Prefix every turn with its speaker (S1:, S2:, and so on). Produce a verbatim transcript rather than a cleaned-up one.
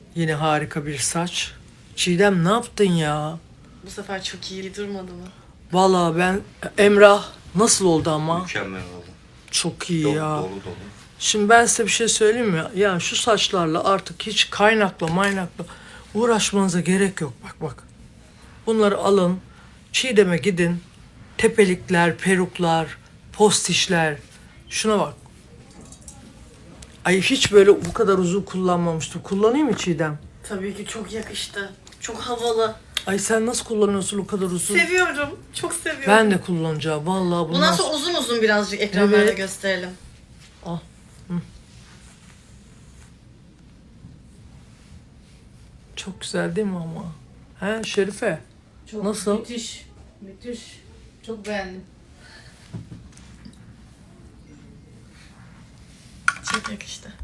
S1: Yine harika bir saç. Çiğdem ne yaptın ya?
S2: Bu sefer çok iyi durmadı mı?
S1: Vallahi ben Emrah nasıl oldu ama?
S3: Mükemmel oldu.
S1: Çok iyi
S3: Dolu
S1: ya.
S3: dolu dolu.
S1: Şimdi ben size bir şey söyleyeyim mi? Ya şu saçlarla artık hiç kaynakla maynakla uğraşmanıza gerek yok. Bak bak. Bunları alın. Çiğdem'e gidin. Tepelikler, peruklar, postişler. Şuna bak. Ay hiç böyle bu kadar uzun kullanmamıştım. Kullanayım mı Çiğdem?
S2: Tabii ki çok yakıştı. Çok havalı.
S1: Ay sen nasıl kullanıyorsun o kadar uzun?
S2: Seviyorum. Çok seviyorum.
S1: Ben de kullanacağım. Vallahi bundan
S2: Bundan sonra uzun uzun birazcık ekranlarda
S1: Evet.
S2: gösterelim.
S1: Al. Hı. Çok güzel değil mi ama? He Şerife?
S4: Çok
S1: Nasıl?
S4: müthiş. Müthiş. Çok beğendim.